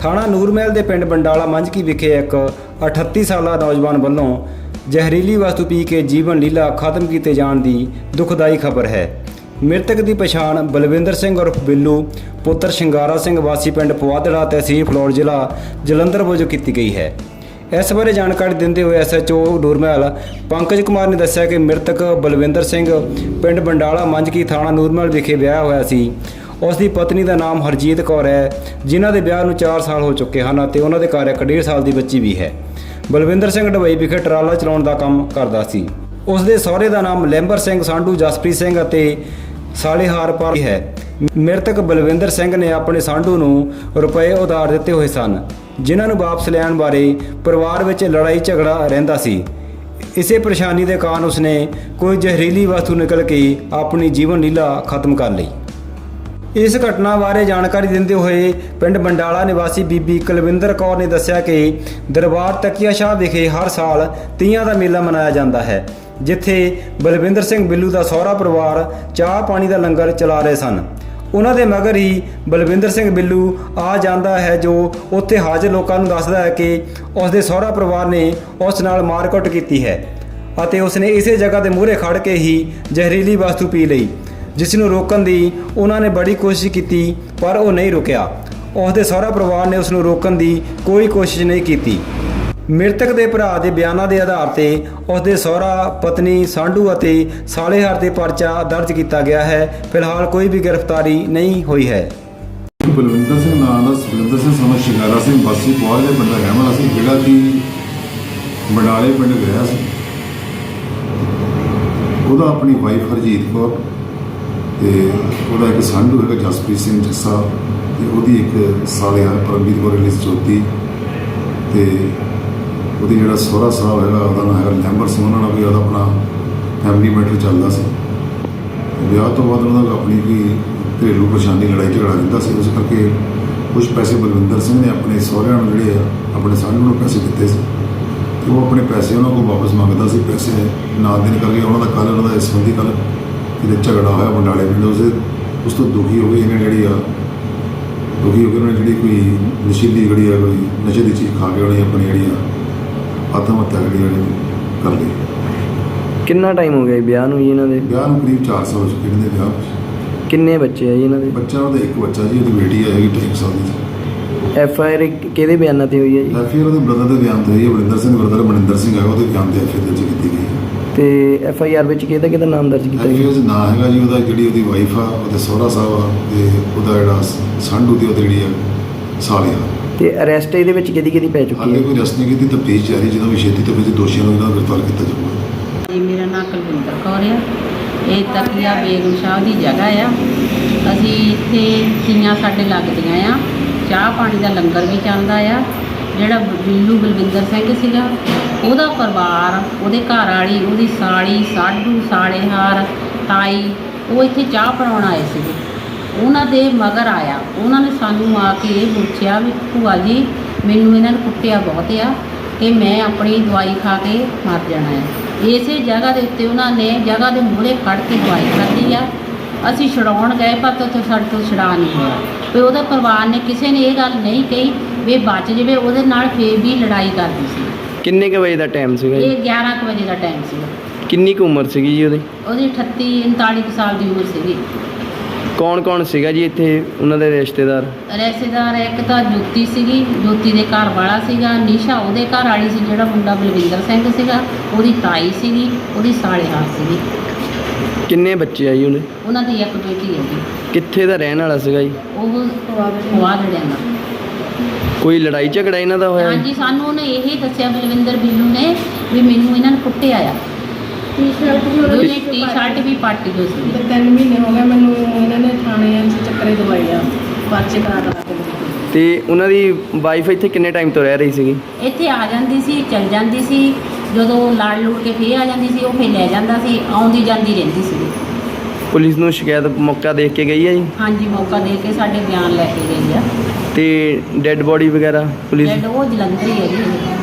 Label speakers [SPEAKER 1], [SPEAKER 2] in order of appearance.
[SPEAKER 1] ਥਾਣਾ ਨੂਰਮਹਿਲ ਦੇ ਪਿੰਡ ਬੰਡਾਲਾ ਮੰਝਕੀ ਵਿਖੇ ਇੱਕ 38 ਸਾਲਾ ਨੌਜਵਾਨ ਵੱਲੋਂ ਜ਼ਹਿਰੀਲੀ ਵਸਤੂ ਪੀ ਕੇ ਜੀਵਨ ਲੀਲਾ ਖਤਮ ਕੀਤੇ ਜਾਣ ਦੀ ਦੁਖਦਾਈ ਖਬਰ ਹੈ। ਮ੍ਰਿਤਕ ਦੀ ਪਛਾਣ ਬਲਵਿੰਦਰ ਸਿੰਘ ਉਰਫ ਬਿੱਲੂ ਪੁੱਤਰ ਸ਼ਿੰਗਾਰਾ ਸਿੰਘ ਵਾਸੀ ਪਿੰਡ ਪਵਾਦੜਾ ਤਹਿਸੀਲ ਫਲੋਰ ਜ਼ਿਲ੍ਹਾ ਜਲੰਧਰ ਵਜੋਂ ਕੀਤੀ ਗਈ ਹੈ। ਇਸ ਬਾਰੇ ਜਾਣਕਾਰੀ ਦਿੰਦੇ ਹੋਏ SHO ਨੂਰਮਹਿਲ ਪੰਕਜ ਕੁਮਾਰ ਨੇ ਦੱਸਿਆ ਕਿ ਮ੍ਰਿਤਕ ਬਲਵਿੰਦਰ ਸਿੰਘ ਪਿੰਡ ਬੰਡਾਲਾ ਮੰਝਕੀ ਥਾਣਾ ਨੂਰਮਹਿਲ ਵਿਖੇ ਵਿਆਹਿਆ ਹੋਇਆ ਸੀ। ਉਸ ਦੀ ਪਤਨੀ ਦਾ ਨਾਮ ਹਰਜੀਤ ਕੌਰ ਹੈ, ਜਿਨ੍ਹਾਂ ਦੇ ਵਿਆਹ ਨੂੰ 4 ਸਾਲ ਹੋ ਚੁੱਕੇ ਹਨ ਅਤੇ ਉਹਨਾਂ ਦੇ ਘਰ ਇੱਕ 1.5 ਸਾਲ ਦੀ ਬੱਚੀ ਵੀ ਹੈ। ਬਲਵਿੰਦਰ ਸਿੰਘ ਦੁਬਈ ਵਿਖੇ ਟਰਾਲਾ ਚਲਾਉਣ ਦਾ ਕੰਮ ਕਰਦਾ ਸੀ। ਉਸ ਦੇ ਸਹੁਰੇ ਦਾ ਨਾਮ ਲੈਂਬਰ ਸਿੰਘ ਸਾਂਢੂ ਜਸਪ੍ਰੀਤ ਸਿੰਘ ਅਤੇ ਸਾਲੇਹਾਰ ਪਰ ਹੈ। ਮ੍ਰਿਤਕ ਬਲਵਿੰਦਰ ਸਿੰਘ ਨੇ ਆਪਣੇ ਸਾਂਢੂ ਨੂੰ ਰੁਪਏ ਉਧਾਰ ਦਿੱਤੇ ਹੋਏ ਸਨ, ਜਿਨ੍ਹਾਂ ਨੂੰ ਵਾਪਸ ਲੈਣ ਬਾਰੇ ਪਰਿਵਾਰ ਵਿੱਚ ਲੜਾਈ ਝਗੜਾ ਰਹਿੰਦਾ ਸੀ। ਇਸੇ ਪਰੇਸ਼ਾਨੀ ਦੇ ਕਾਰਨ ਉਸਨੇ ਕੋਈ ਜ਼ਹਿਰੀਲੀ ਵਸਤੂ ਨਿਕਲ ਕੇ ਆਪਣੀ ਜੀਵਨ ਲੀਲਾ ਖਤਮ ਕਰ ਲਈ। ਇਸ ਘਟਨਾ ਬਾਰੇ ਜਾਣਕਾਰੀ ਦਿੰਦੇ ਹੋਏ ਪਿੰਡ ਬੰਡਾਲਾ ਨਿਵਾਸੀ ਬੀਬੀ ਕੁਲਵਿੰਦਰ ਕੌਰ ਨੇ ਦੱਸਿਆ ਕਿ ਦਰਬਾਰ ਤਕੀਆ ਸ਼ਾਹ ਵਿਖੇ ਹਰ ਸਾਲ ਤੀਆਂ ਦਾ ਮੇਲਾ ਮਨਾਇਆ ਜਾਂਦਾ ਹੈ, ਜਿੱਥੇ ਬਲਵਿੰਦਰ ਸਿੰਘ ਬਿੱਲੂ ਦਾ ਸਹੁਰਾ ਪਰਿਵਾਰ ਚਾਹ ਪਾਣੀ ਦਾ ਲੰਗਰ ਚਲਾ ਰਹੇ ਸਨ। ਉਹਨਾਂ ਦੇ ਮਗਰ ਹੀ ਬਲਵਿੰਦਰ ਸਿੰਘ ਬਿੱਲੂ ਆ ਜਾਂਦਾ ਹੈ, ਜੋ ਉੱਥੇ ਹਾਜ਼ਰ ਲੋਕਾਂ ਨੂੰ ਦੱਸਦਾ ਹੈ ਕਿ ਉਸ ਦੇ ਸਹੁਰਾ ਪਰਿਵਾਰ ਨੇ ਉਸ ਨਾਲ ਮਾਰਕੁੱਟ ਕੀਤੀ ਹੈ ਅਤੇ ਉਸਨੇ ਇਸੇ ਜਗ੍ਹਾ ਦੇ ਮੂਹਰੇ ਖੜ੍ਹ ਕੇ ਹੀ ਜ਼ਹਿਰੀਲੀ ਵਸਤੂ ਪੀ ਲਈ, ਜਿਸ ਨੂੰ ਰੋਕਣ ਦੀ ਉਹਨਾਂ ਨੇ ਬੜੀ ਕੋਸ਼ਿਸ਼ ਕੀਤੀ ਪਰ ਉਹ ਨਹੀਂ ਰੁਕਿਆ। ਉਸ ਦੇ ਸਹੁਰਾ ਪਰਿਵਾਰ ਨੇ ਉਸ ਨੂੰ ਰੋਕਣ ਦੀ ਕੋਈ ਕੋਸ਼ਿਸ਼ ਨਹੀਂ ਕੀਤੀ। ਮ੍ਰਿਤਕ ਦੇ ਭਰਾ ਦੇ ਬਿਆਨਾਂ ਦੇ ਆਧਾਰ ਤੇ ਉਸ ਦੇ ਸਹੁਰਾ, ਪਤਨੀ, ਸਾਂਢੂ ਅਤੇ ਸਾਲੇਹਾਰ ਤੇ ਪਰਚਾ ਦਰਜ ਕੀਤਾ ਗਿਆ ਹੈ। ਫਿਲਹਾਲ ਕੋਈ ਵੀ ਗ੍ਰਿਫਤਾਰੀ ਨਹੀਂ ਹੋਈ ਹੈ।
[SPEAKER 2] ਬਲਵਿੰਦਰ ਸਿੰਘ ਨਾਮ ਦਾ ਬਲਵਿੰਦਰ ਸਿੰਘ ਸਮਾਂ ਸ਼ਿੰਗਾਰਾ ਸਿੰਘ ਵਾਸੀ ਪਵਾਦ ਦੇ ਪਿੰਡ ਦਾ ਰਹਿਣ ਵਾਲਾ ਸੀ, ਜਿਹੜਾ ਕਿ ਬੰਡਾਲੇ ਪਿੰਡ ਗਿਆ ਸੀ। ਉਹਦਾ ਆਪਣੀ ਵਾਈਫ ਹਰਜੀਤ ਕੌਰ ਤੇ ਉਹਦਾ ਇੱਕ ਸਾਂਢੂ ਹੈਗਾ ਜਸਪ੍ਰੀਤ ਸਿੰਘ ਜੱਸਾ ਤੇ ਉਹਦੀ ਇੱਕ ਸਾਲੇਹਾਰ ਪਰਮਜੀਤ ਕੌਰ ਲਿਸ ਚੌਥੀ ਤੇ ਉਹਦੀ ਜਿਹੜਾ ਸਹੁਰਾ ਸਾਹਿਬ ਹੈਗਾ ਉਹਦਾ ਨਾਮ ਹੈਗਾ ਲੈਂਬਰ ਸਿੰਘ। ਉਹਨਾਂ ਨਾਲ ਵੀ ਉਹਦਾ ਆਪਣਾ ਫੈਮਿਲੀ ਮੈਟਰ ਚੱਲਦਾ ਸੀ। ਵਿਆਹ ਤੋਂ ਬਾਅਦ ਉਹਨਾਂ ਦਾ ਆਪਣੀ ਵੀ ਘਰੇਲੂ ਪਰੇਸ਼ਾਨੀ ਲੜਾਈ ਝਗੜਾ ਰਹਿੰਦਾ ਸੀ। ਉਸ ਕਰਕੇ ਕੁਛ ਪੈਸੇ ਬਲਵਿੰਦਰ ਸਿੰਘ ਨੇ ਆਪਣੇ ਸਹੁਰਿਆਂ ਨੂੰ ਜਿਹੜੇ ਆ ਆਪਣੇ ਸਾਂਢੂ ਨੂੰ ਪੈਸੇ ਦਿੱਤੇ ਸੀ ਤੇ ਉਹ ਆਪਣੇ ਪੈਸੇ ਉਹਨਾਂ ਕੋਲ ਵਾਪਸ ਮੰਗਦਾ ਸੀ। ਪੈਸੇ ਨਾ ਦੇਣ ਕਰਕੇ ਉਹਨਾਂ ਦਾ ਉਹਨਾਂ ਦਾ ਇਸ ਸੰਬੰਧੀ ਕੱਲ੍ਹ ਕਿਤੇ ਝਗੜਾ ਹੋਇਆ ਬੰਡਾਲੇ ਪਿੰਡ। ਉਸ ਤੋਂ ਦੁਖੀ ਹੋ ਗਏ ਇਹਨਾਂ ਜਿਹੜੀ ਆ ਦੁਖੀ ਹੋ ਕੇ ਉਹਨਾਂ ਨੇ ਜਿਹੜੀ ਕੋਈ ਨਸ਼ੀਲੀ ਜਿਹੜੀ ਆ ਕੋਈ ਨਸ਼ੇ ਦੀ ਚੀਜ਼ ਖਾ ਕੇ ਉਹਨੇ ਆਪਣੀ ਜਿਹੜੀ ਆ ਆਤਮ ਹੱਤਿਆ ਜਿਹੜੀ ਕਰ ਲਈ।
[SPEAKER 3] ਕਿੰਨਾ ਟਾਈਮ ਹੋ ਗਿਆ ਜੀ ਵਿਆਹ ਨੂੰ ਜੀ ਇਹਨਾਂ ਦੇ?
[SPEAKER 2] ਵਿਆਹ ਨੂੰ ਕਰੀਬ 4 ਸਾਲ ਹੋ ਚੁੱਕੇ ਇਹਨਾਂ ਦੇ ਵਿਆਹ।
[SPEAKER 3] ਕਿੰਨੇ ਬੱਚੇ ਆ ਜੀ ਇਹਨਾਂ ਦੇ?
[SPEAKER 2] ਬੱਚਾ ਉਹਦਾ ਇੱਕ ਬੱਚਾ ਜੀ, ਉਹਦੀ ਬੇਟੀ ਹੈਗੀ 2.5 ਸਾਲ ਦੀ।
[SPEAKER 3] FIR ਕਿਹਦੇ ਬਿਆਨਾਂ ਤੇ ਹੋਈ ਹੈ ਜੀ?
[SPEAKER 2] FIR ਉਹਦੇ ਬ੍ਰਦਰ ਦੇ ਬਿਆਨ ਤੇ ਹੋਈ ਹੈ। ਬਲਵਿੰਦਰ ਸਿੰਘ ਬ੍ਰਦਰ ਮਨਿੰਦਰ ਸਿੰਘ ਹੈਗਾ, ਉਹਦੇ ਬਿਆਨ ਤੇ FIR ਦਰਜ ਕੀਤੀ ਗਈ ਹੈ।
[SPEAKER 3] ਤੇ FIR ਵਿੱਚ ਕਿਹਦਾ ਨਾਮ ਦਰਜ ਕੀਤਾ ਗਿਆ?
[SPEAKER 2] FIR 'ਚ ਨਾਂ ਹੈਗਾ ਜੀ ਉਹਦਾ, ਜਿਹੜੀ ਉਹਦੀ ਵਾਈਫ ਆ, ਉਹਦੇ ਸਹੁਰਾ ਸਾਹਿਬ ਆ ਤੇ ਉਹਦਾ ਜਿਹੜਾ ਸਾਂਢੂ ਦੀ ਉਹਦੀ ਜਿਹੜੀ ਆ ਸਾਲੇਹਾਰ।
[SPEAKER 3] ਤੇ ਅਰੈਸਟ ਇਹਦੇ ਵਿੱਚ ਕਿਹਦੀ ਪੈ ਚੁੱਕੀ
[SPEAKER 2] ਹਾਲੇ
[SPEAKER 3] ਹੈ?
[SPEAKER 2] ਕੋਈ ਅਰੈਸਟ ਨਹੀਂ ਕੀਤੀ, ਤਫਤੀਸ਼ ਜਾਰੀ। ਜਦੋਂ ਵੀ ਛੇਤੀ ਤੋਂ ਵਿੱਚ ਦੋਸ਼ੀਆਂ ਨੂੰ ਇਹਨਾਂ ਦਾ ਗ੍ਰਿਫਤਾਰ ਕੀਤਾ ਜਾਊਗਾ।
[SPEAKER 4] ਜੀ ਮੇਰਾ ਨਾਮ ਕੁਲਵਿੰਦਰ ਕੌਰ ਆ। ਇਹ ਤਕੀਆ ਬੇਗਮ ਸ਼ਾਹ ਦੀ ਜਗ੍ਹਾ ਆ। ਅਸੀਂ ਇੱਥੇ ਤੀਆਂ ਸਾਡੇ ਲੱਗਦੀਆਂ ਆ, ਚਾਹ ਪਾਣੀ ਦਾ ਲੰਗਰ ਵੀ ਚੱਲਦਾ ਆ। ਜਿਹੜਾ ਬਿੱਲੂ ਬਲਵਿੰਦਰ ਸਿੰਘ ਸੀਗਾ, ਉਹਦਾ ਪਰਿਵਾਰ, ਉਹਦੇ ਘਰ ਵਾਲੀ, ਉਹਦੀ ਸਾਲੀ, ਸਾਢੂ, ਸਾਲੇਹਾਰ, ਤਾਈ, ਉਹ ਇੱਥੇ ਚਾਹ ਬਣਾਉਣ ਆਏ ਸੀਗੇ। ਉਹਨਾਂ ਦੇ ਮਗਰ ਆਇਆ। ਉਹਨਾਂ ਨੇ ਸਾਨੂੰ ਆ ਕੇ ਇਹ ਪੁੱਛਿਆ ਵੀ ਭੂਆ ਜੀ ਮੈਨੂੰ ਇਹਨਾਂ ਨੇ ਕੁੱਟਿਆ ਬਹੁਤ ਆ ਕਿ ਮੈਂ ਆਪਣੀ ਦਵਾਈ ਖਾ ਕੇ ਮਰ ਜਾਣਾ ਹੈ। ਇਸੇ ਜਗ੍ਹਾ ਦੇ ਉੱਤੇ ਉਹਨਾਂ ਨੇ ਜਗ੍ਹਾ ਦੇ ਮੂਹਰੇ ਖੜ੍ਹ ਕੇ ਦਵਾਈ ਖਾਧੀ ਆ। ਅਸੀਂ ਛਡਾਉਣ ਗਏ ਪਰ ਉੱਥੇ ਸਾਡੇ ਤੋਂ ਛਡਾ ਨਹੀਂ ਹੋਇਆ। ਵੀ ਉਹਦੇ ਪਰਿਵਾਰ ਨੇ ਕਿਸੇ ਨੇ ਇਹ ਗੱਲ ਨਹੀਂ ਕਹੀ ਵੀ ਬਚ ਜਾਵੇ, ਉਹਦੇ ਨਾਲ ਫੇਰ ਵੀ ਲੜਾਈ ਕਰਦੀ ਸੀ।
[SPEAKER 3] ਕਿੰਨੇ ਕੁ ਵਜੇ ਦਾ ਟਾਈਮ ਸੀਗਾ ਜੀ?
[SPEAKER 4] ਇਹ 11 ਕੁ ਵਜੇ ਦਾ ਟਾਈਮ ਸੀਗਾ।
[SPEAKER 3] ਕਿੰਨੀ ਕੁ ਉਮਰ ਸੀਗੀ ਜੀ ਉਹਦੀ?
[SPEAKER 4] ਉਹਦੀ 38-39 ਸਾਲ ਦੀ ਉਮਰ ਸੀਗੀ।
[SPEAKER 3] ਕੌਣ ਸੀਗਾ ਜੀ ਇੱਥੇ ਉਹਨਾਂ ਦੇ ਰਿਸ਼ਤੇਦਾਰ?
[SPEAKER 4] ਰਿਸ਼ਤੇਦਾਰ ਇੱਕ ਤਾਂ ਜੋਤੀ ਸੀਗੀ, ਜੋਤੀ ਦੇ ਘਰ ਵਾਲਾ ਸੀਗਾ। ਨਿਸ਼ਾ ਉਹਦੇ ਘਰ ਵਾਲੀ ਸੀ। ਜਿਹੜਾ ਮੁੰਡਾ ਬਲਵਿੰਦਰ ਸਿੰਘ ਸੀਗਾ, ਉਹਦੀ ਤਾਈ ਸੀਗੀ, ਉਹਦੀ ਸਾਲੇਹਾਰ ਸੀਗੀ।
[SPEAKER 3] ਕਿੰਨੇ ਬੱਚੇ ਆ ਜੀ ਉਹਦੇ?
[SPEAKER 4] ਉਹਨਾਂ ਦੀ ਇੱਕ ਬੇਟੀ ਹੈ ਜੀ।
[SPEAKER 3] ਕਿੱਥੇ ਦਾ ਰਹਿਣ ਵਾਲਾ ਸੀਗਾ ਜੀ?
[SPEAKER 4] ਉਹ ਪਵਾਦੜਿਆਂ ਦਾ।
[SPEAKER 3] ਕੋਈ ਲੜਾਈ ਝਗੜਾ ਇਹਨਾਂ ਦਾ ਹੋਇਆ?
[SPEAKER 4] ਹਾਂਜੀ, ਸਾਨੂੰ ਉਹਨੇ ਇਹ ਦੱਸਿਆ ਬਲਵਿੰਦਰ ਬਿੱਲੂ ਨੇ ਵੀ ਮੈਨੂੰ ਇਹਨਾਂ ਨੇ ਕੁੱਟਿਆ ਆ। ਟੀ-ਸ਼ਰਟ ਵੀ ਪਾਟੀ ਹੋਈ ਸੀ।
[SPEAKER 5] 3 ਮਹੀਨੇ ਹੋ ਗਏ ਮੈਨੂੰ ਇਹਨਾਂ ਨੇ ਥਾਣੇ 'ਚ ਚੱਕਰੇ ਦਵਾਈ ਆ, ਪਰਚੇ ਕਰਾ ਕੇ।
[SPEAKER 3] ਤੇ ਉਹਨਾਂ ਦੀ ਵਾਈਫ ਇੱਥੇ ਕਿੰਨੇ ਟਾਈਮ ਤੋਂ ਰਹਿ ਰਹੀ ਸੀਗੀ?
[SPEAKER 4] ਇੱਥੇ ਆ ਜਾਂਦੀ ਸੀ, ਚਲ ਜਾਂਦੀ ਸੀ। ਜਦੋਂ ਲੜ ਲੁੜ ਕੇ ਫੇਰ ਆ ਜਾਂਦੀ ਸੀ, ਉਹ ਫੇਰ ਲੈ ਜਾਂਦਾ ਸੀ। ਆਉਂਦੀ ਜਾਂਦੀ ਰਹਿੰਦੀ ਸੀ।
[SPEAKER 3] ਪੁਲਿਸ ਨੂੰ ਸ਼ਿਕਾਇਤ ਮੌਕਾ ਦੇਖ ਕੇ ਗਈ ਹੈ ਜੀ?
[SPEAKER 4] ਹਾਂਜੀ, ਮੌਕਾ ਦੇ ਕੇ ਸਾਡੇ ਬਿਆਨ ਲੈ ਕੇ ਗਈ ਆ।
[SPEAKER 3] ਤੇ ਡੈੱਡ ਬੋਡੀ ਵਗੈਰਾ ਪੁਲਿਸ?
[SPEAKER 4] ਉਹ ਜਲੰਧਰ ਹੀ ਹੈ ਜੀ।